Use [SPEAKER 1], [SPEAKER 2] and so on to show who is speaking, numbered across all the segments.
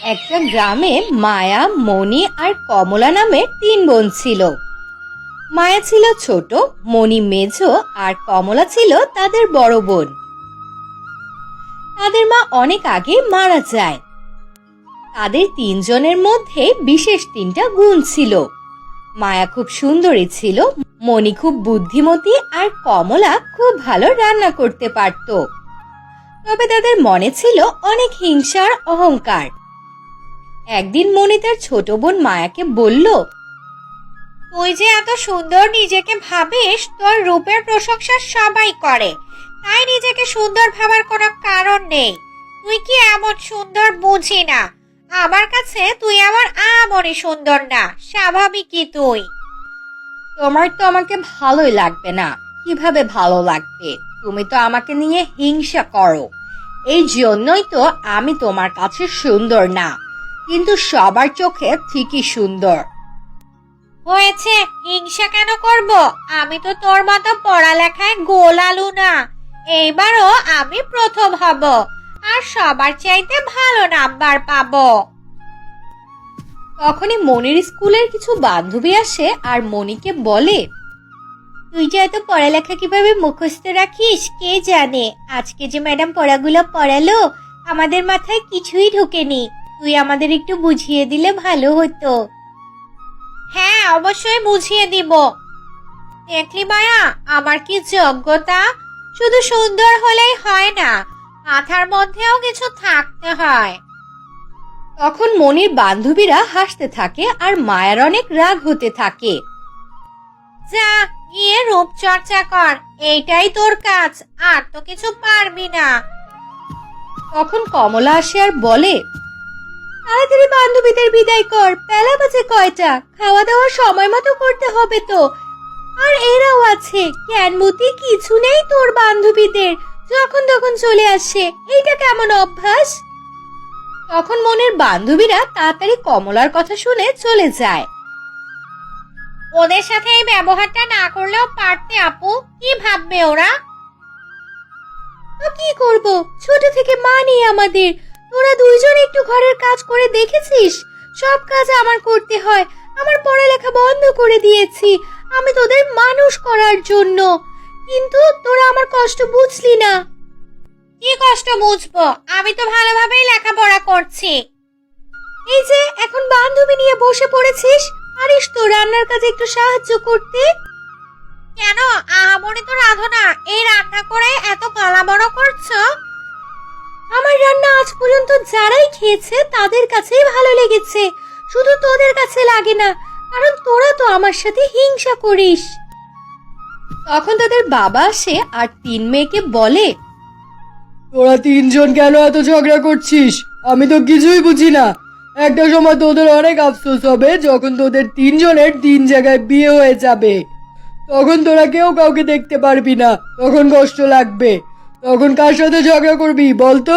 [SPEAKER 1] একটা গ্রামে মায়া, মণি আর কমলা নামে তিন বোন ছিল। মায়া ছিল ছোট, মণি মেঝো আর কমলা ছিল তাদের বড় বোন। তাদের মা অনেক আগে মারা যায়। তাদের তিনজনের মধ্যে বিশেষ তিনটা গুণ ছিল। মায়া খুব সুন্দরী ছিল, মণি খুব বুদ্ধিমতী আর কমলা খুব ভালো রান্না করতে পারত। তবে তাদের মনে ছিল অনেক হিংসা আর অহংকার। একদিন মণি তার ছোট বোন মায়াকে বলল,
[SPEAKER 2] তুই যে এত সুন্দর নিজেকে ভাবিস, তোর রূপের প্রশংসা সবাই করে, তাই নিজেকে সুন্দর ভাবার কোনো কারণ নেই। তুই কি এমন সুন্দর বুঝি না? আমার কাছে তুই আমার আমনই সুন্দর না, স্বাভাবিকই তুই।
[SPEAKER 1] তোমার তো আমাকে ভালোই লাগবে না। কিভাবে ভালো লাগবে? তুমি তো আমাকে নিয়ে হিংসা করো। এই জন্যই তো আমি তোমার কাছে সুন্দর না, কিন্তু সবার চোখে ঠিকই সুন্দর।
[SPEAKER 2] হয়েছে, হিংসা কেন করব? আমি তো তোর মতো পড়ালেখায় গোল আলু না। এইবারও আমি প্রথম হব আর সবার চাইতে ভালো নাম্বার পাবো।
[SPEAKER 1] তখনই মনির স্কুলের কিছু বান্ধবী আসে আর মনিকে বলে,
[SPEAKER 2] তুই যে এত পড়ালেখা কিভাবে মুখস্থ রাখিস কে জানে। আজকে যে ম্যাডাম পড়াগুলো পড়ালো, আমাদের মাথায় কিছুই ঢোকেনি। তুই আমাদের একটু বুঝিয়ে দিলে ভালো হতো। হ্যাঁ, অবশ্যই বুঝিয়ে দিব। দেখলি মায়া, আমার কি যোগ্যতা! শুধু সুন্দর হলেই হয় না, মাথার মধ্যেও কিছু থাকতে হয়।
[SPEAKER 1] তখন মনির বান্ধবীরা হাসতে থাকে আর মায়ার অনেক রাগ হতে থাকে।
[SPEAKER 2] যা গিয়ে রূপচর্চা কর, এইটাই তোর কাজ, আর তো কিছু পারবি না।
[SPEAKER 1] তখন কমলা আসে আর বলে, তাড়াতাড়ি বান্ধবীদের বিদায় কর, বেলা বাজে কয়টা, খাওয়া দাওয়া সময় মতো করতে হবে তো। আর এরাও আছে, জ্ঞান বুদ্ধি কিছু নেই তোর বান্ধবীদের, যখন তখন চলে আসে, এইটা কেমন অভ্যাস? তখন মনের বান্ধবীরা তাড়াতাড়ি কমলার কথা শুনে চলে যায়।
[SPEAKER 2] ওদের সাথে এই ব্যবহারটা না করলেও পারতে আপু, কি ভাববে ওরা?
[SPEAKER 1] তো কি করব, ছোট থেকে মা নেই আমাদের। তোরা দুইজন একটু ঘরের কাজ করে দেখেছিস? সব কাজ আমার করতে হয়। আমার পড়ালেখা বন্ধ করে দিয়েছি আমি তোদের মানুষ করার জন্য, কিন্তু তোরা আমার কষ্ট বুঝলি না।
[SPEAKER 2] কি কষ্ট বুঝবো? আমি তো ভালোভাবেই লেখাপড়া করছি।
[SPEAKER 1] এই যে এখন বান্ধবী নিয়ে বসে পড়েছিস, পারিস তো রান্নার কাজে একটু সাহায্য করতে?
[SPEAKER 2] কেন, আহামরি তো রাধো না, এই রান্না করে এত গলা বড় করছো?
[SPEAKER 1] আমার রান্না আজ পর্যন্ত যারাই খেয়েছে তাদের কাছেই ভালো লেগেছে, শুধু তোদের কাছে লাগে না, কারণ তোরা তো আমার সাথে হিংসা করিস। তখন তাদের বাবা আসে আর তিন মেয়েকে বলে,
[SPEAKER 3] তোরা তিনজন কেন এত ঝগড়া করছিস? আমি তো কিছুই বুঝি না। একটা সময় তোদের অনেক আফসোস হবে যখন তোদের তিনজনের তিন জায়গায় বিয়ে হয়ে যাবে। তখন তোরা কেউ কাউকে দেখতে পারবি না, তখন কষ্ট লাগবে। তখন কার সাথে ঝগড়া করবি বলতো?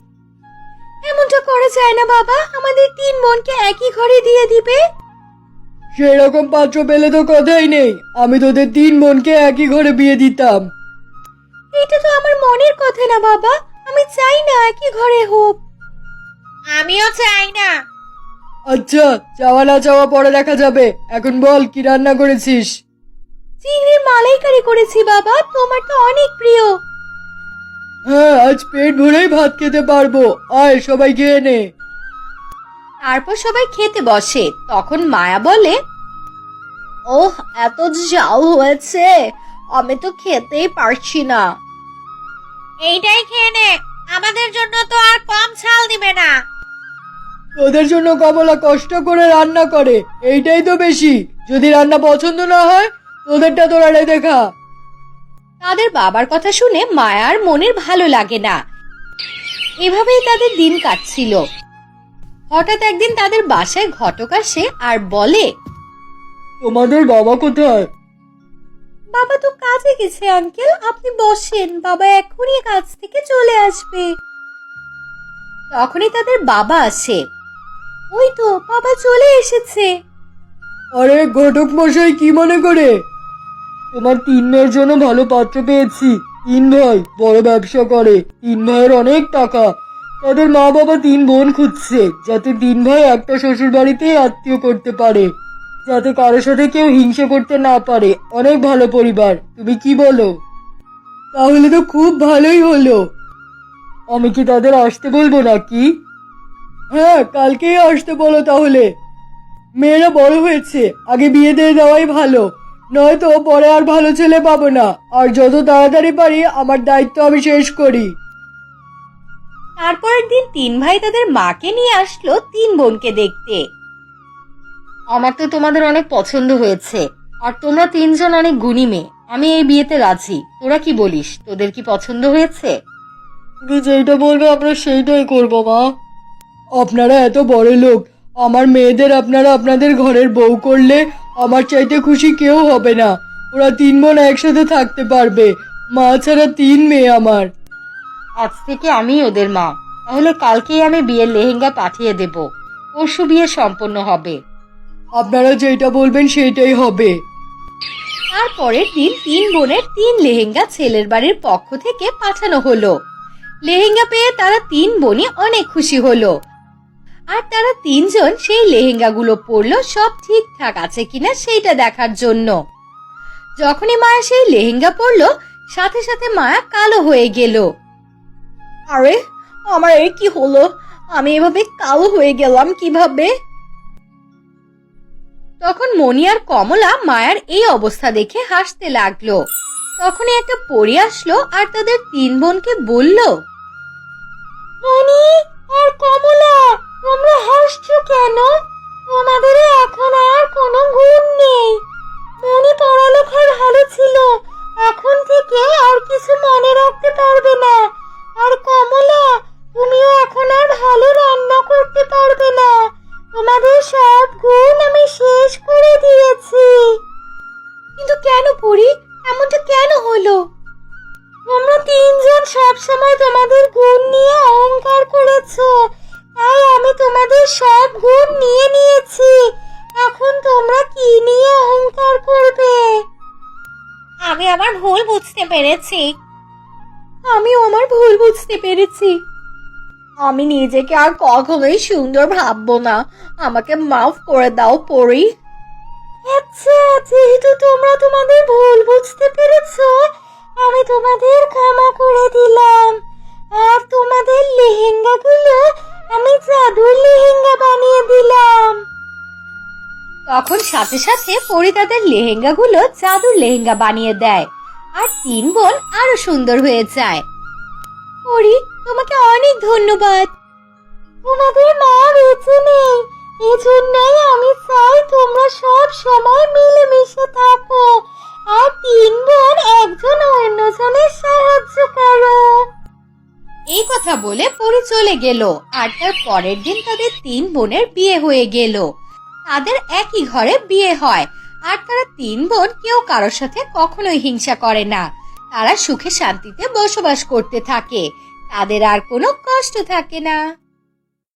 [SPEAKER 1] এমনটা করা যায় না বাবা, আমাদের তিন বোনকে একই ঘরে দিয়ে দিবে।
[SPEAKER 3] সেরকম পাত্র পেলে তো কথাই নেই, আমি তোদের তিন বোনকে একই ঘরে বিয়ে দিতাম।
[SPEAKER 1] এটা তো আমার মনের কথা না বাবা, আমি চাই না একই ঘরে হোক।
[SPEAKER 2] আমিও চাই না।
[SPEAKER 3] আচ্ছা, চাওয়া না চাওয়া পরে দেখা যাবে। এখন বল, কি রান্না করেছিস?
[SPEAKER 1] চিংড়ির মালাইকারি করেছি বাবা, তোমার তো অনেক প্রিয়।
[SPEAKER 3] হ্যাঁ, আজ পেট ভরেই ভাত খেতে পারবো। আয় সবাই খেয়ে নে।
[SPEAKER 1] তারপর সবাই খেতে বসে। তখন মায়া বলে, ওহ, এত ঝাল হয়েছে, আমি তো খেতেই পারছি না।
[SPEAKER 2] এইটাই খেয়ে নে, আমাদের জন্য তো আর কম ঝাল দিবে না।
[SPEAKER 3] তোদের জন্য কমলা কষ্ট করে রান্না করে, এইটাই তো বেশি। যদি রান্না পছন্দ না হয়, তোদেরটা তোরা রেঁধে খা।
[SPEAKER 1] তাদের বাবার কথা শুনে মায়ার মনের ভালো লাগে না। এভাবেই তাদের দিন কাটছিল। হঠাৎ একদিন তাদের বাসায় ঘটক আসে আর বলে,
[SPEAKER 3] তোমাদের বাবা কোথায়?
[SPEAKER 1] বাবা তো কাজে গেছে আঙ্কেল, আপনি বসেন, বাবা এখনই কাজ থেকে চলে আসবে। তখনই তাদের বাবা আসে। ওই তো বাবা চলে এসেছে।
[SPEAKER 3] আরে ঘটক মশাই, কি মনে করে? তোমার তিন মেয়ের জন্য ভালো পাত্র পেয়েছি। তিন ভাই বড় ব্যবসা করে, তিন ভাইয়ের অনেক টাকা। তাদের মা বাবা 3 বোন খুঁজছে, যাতে 3 ভাই একটা শ্বশুর বাড়িতেই আত্মীয় করতে পারে, যাতে কারোর সাথে কেউ হিংসে করতে না পারে। অনেক ভালো পরিবার, তুমি কি বলো? তাহলে তো খুব ভালোই হলো। আমি কি তাদের আসতে বলবো নাকি? হ্যাঁ, কালকেই আসতে বলো তাহলে। মেয়েরা বড় হয়েছে, আগে বিয়ে দিয়ে দেওয়াই ভালো, নয়তো পরে আর ভালো ছেলে পাবো না। আর যত তাড়াতাড়ি পারি আমার দায়িত্ব আমি শেষ করি।
[SPEAKER 1] তারপরের দিন 3 ভাই তাদের মাকে নিয়ে আসলো 3 বোনকে দেখতে। আমার তো তোমাদের অনেক পছন্দ হয়েছে, আর তোমরা 3 জন অনেক গুণী মেয়ে। আমি এই বিয়েতে রাজি। তোরা কি বলিস? তোদের কি পছন্দ হয়েছে?
[SPEAKER 3] তুমি যেটা বলবে আমরা সেইটাই করবো মা। আপনারা এত বড় লোক, আমার মেয়েদের আপনারা আপনাদের ঘরের বউ করলে আমার চাইতে খুশি কেউ হবে না। ওরা 3 বোন একসাথে থাকতে পারবে, মা ছাড়া 3 মেয়ে আমার।
[SPEAKER 1] আজ থেকে আমি ওদের মা। তাহলে কালকেই আমি বিয়ের লেহেঙ্গা পাঠিয়ে দেব। পরশু বিয়ে সম্পন্ন হবে।
[SPEAKER 3] আপনারা যেটা বলবেন সেইটাই হবে।
[SPEAKER 1] তারপরের দিন 3 বোনের 3 লেহেঙ্গা ছেলের বাড়ির পক্ষ থেকে পাঠানো হলো। লেহেঙ্গা পেয়ে তারা 3 বোনই অনেক খুশি হলো। আর তারা 3 জন সেই লেহেঙ্গাগুলো পরলো সব ঠিকঠাক আছে কিনা সেইটা দেখার জন্য। যখনই মায়া সেই লেহেঙ্গা পরলো, সাথে সাথে মায়া কালো হয়ে গেল। আরে, আমার এই কি হলো? আমি এভাবে কালো হয়ে গেলাম কিভাবে? তখন মণি আর কমলা মায়ার এই অবস্থা দেখে হাসতে লাগলো। তখনই একটা পরী আসলো আর তাদের 3 বোনকে বলল, মণি আর কমলা, তোমরা হাসছো কেন? তোমাদের এখন আর কোনো গুণ নেই। মণি পড়ালেখায় ভালো ছিল, এখন থেকে আর কিছু মনে রাখতে পারবে না। আর কমলা, তুমিও এখন আর ভালো রান্না করতে পারবে না। তোমাদের সব গুণ আমি শেষ করে দিয়েছি। কিন্তু কেন পড়ি? এমনটা কেন হলো? তোমরা 3 জন সবসময় তোমাদের গুণ নিয়ে অহংকার করেছো, তাই আমি তোমাদের সব গুণ নিয়ে নিয়েছি। এখন তোমরা কি নিয়ে অহংকার করবে? আমি আমার ভুল বুঝতে পেরেছি। আমিও আমার ভুল বুঝতে পেরেছি। আমি নিজেকে আর কখনোই সুন্দর ভাববো না। আমাকে মাফ করে দাও পরি। আচ্ছা, যেহেতু তোমরা তোমাদের ভুল বুঝতে পেরেছো, আমি তোমাদের ক্ষমা করে দিলাম। আর তোমাদের লেহেঙ্গাগুলো আমি জাদুর লেহেঙ্গা বানিয়ে দিলাম। তখন সাথে সাথে পরি তাদের লেহেঙ্গাগুলো জাদুর লেহেঙ্গা বানিয়ে দেয়, আর 3 বোন আরো সুন্দর হয়ে যায়। পরি, তোমাকে অনেক ধন্যবাদ। তোমাদের মা বেঁচে নেই, এজন্যই আমি চাই তোমরা সব সময় মিলেমিশে থাকো, আর 3 বোন একজন অন্যজনের সাহায্য করো। এই কথা বলে পরি চলে গেল। আর তার পরের দিন তাদের 3 বোনের বিয়ে হয়ে গেল। তাদের একই ঘরে বিয়ে হয়, আর তারা 3 বোন কেউ কারোর সাথে কখনোই হিংসা করে না। তারা সুখে শান্তিতে বসবাস করতে থাকে, তাদের আর কোনো কষ্ট থাকে না।